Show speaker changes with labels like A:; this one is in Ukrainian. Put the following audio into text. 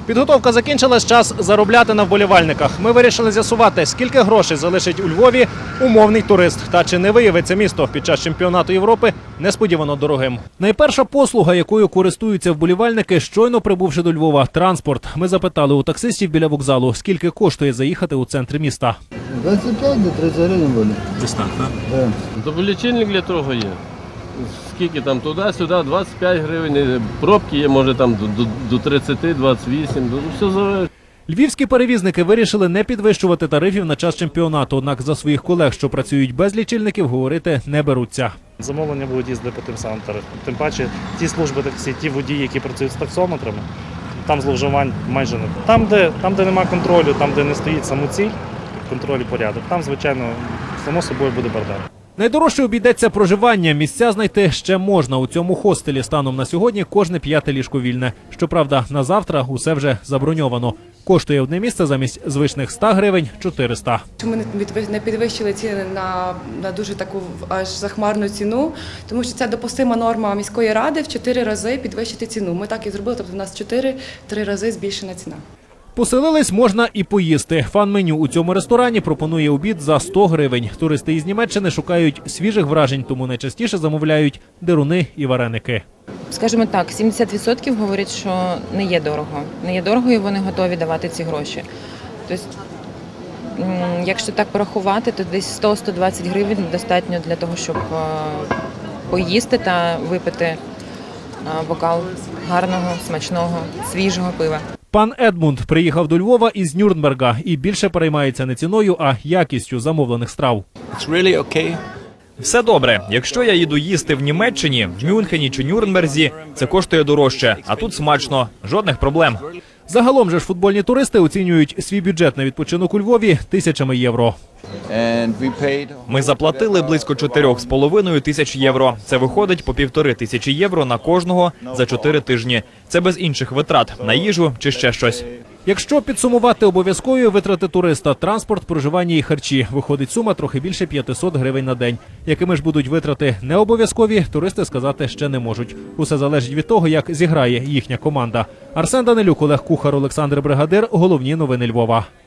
A: Підготовка закінчилась, час заробляти на вболівальниках. Ми вирішили з'ясувати, скільки грошей залишить у Львові умовний турист. Та чи не виявиться місто під час чемпіонату Європи несподівано дорогим. Найперша послуга, якою користуються вболівальники, щойно прибувши до Львова – транспорт. Ми запитали у таксистів біля вокзалу, скільки коштує заїхати у центр міста.
B: 25 до 30 гривень буде.
A: Десь так, так?
B: Да.
C: Тобто лічильник для того є. Скільки там туди-сюди, 25 гривень, пробки є, може там до 30, 28, все залежить.
A: Львівські перевізники вирішили не підвищувати тарифів на час чемпіонату, однак за своїх колег, що працюють без лічильників, говорити не беруться.
D: Замовлення будуть їздити по тим самим тарифам. Тим паче ті служби таксі, ті водії, які працюють з таксометрами, там зловживань майже не. Там, де немає контролю, там, де не стоїть самоціль, контроль і порядок, там, звичайно, само собою буде бардак.
A: Найдорожче обійдеться проживання. Місця знайти ще можна. У цьому хостелі станом на сьогодні кожне 5-те ліжко вільне. Щоправда, на завтра усе вже заброньовано. Коштує одне місце замість звичних 100 гривень – 400.
E: Ми не підвищили ціни на дуже таку аж захмарну ціну, тому що це допустима норма міської ради в 4 рази підвищити ціну. Ми так і зробили, тобто у нас 3 рази збільшена ціна.
A: Поселились можна і поїсти. Фан-меню у цьому ресторані пропонує обід за 100 гривень. Туристи із Німеччини шукають свіжих вражень, тому найчастіше замовляють деруни і вареники.
F: Скажімо так, 70% говорять, що не є дорого. Не є дорого і вони готові давати ці гроші. Тобто, якщо так порахувати, то десь 100-120 гривень достатньо для того, щоб поїсти та випити бокал гарного, смачного, свіжого пива.
A: Пан Едмунд приїхав до Львова із Нюрнберга і більше переймається не ціною, а якістю замовлених страв.
G: Все добре. Якщо я їду їсти в Німеччині, в Мюнхені чи Нюрнберзі, це коштує дорожче, а тут смачно. Жодних проблем.
A: Загалом же ж футбольні туристи оцінюють свій бюджет на відпочинок у Львові тисячами євро.
G: Ми заплатили близько 4,5 тисяч євро. Це виходить по 1,5 євро на кожного за 4 тижні. Це без інших витрат на їжу чи ще щось.
A: Якщо підсумувати обов'язкові витрати туриста – транспорт, проживання і харчі – виходить сума трохи більше 500 гривень на день. Якими ж будуть витрати не обов'язкові, туристи сказати ще не можуть. Усе залежить від того, як зіграє їхня команда. Арсен Данилюк, Олег Кухар, Олександр Бригадир. Головні новини Львова.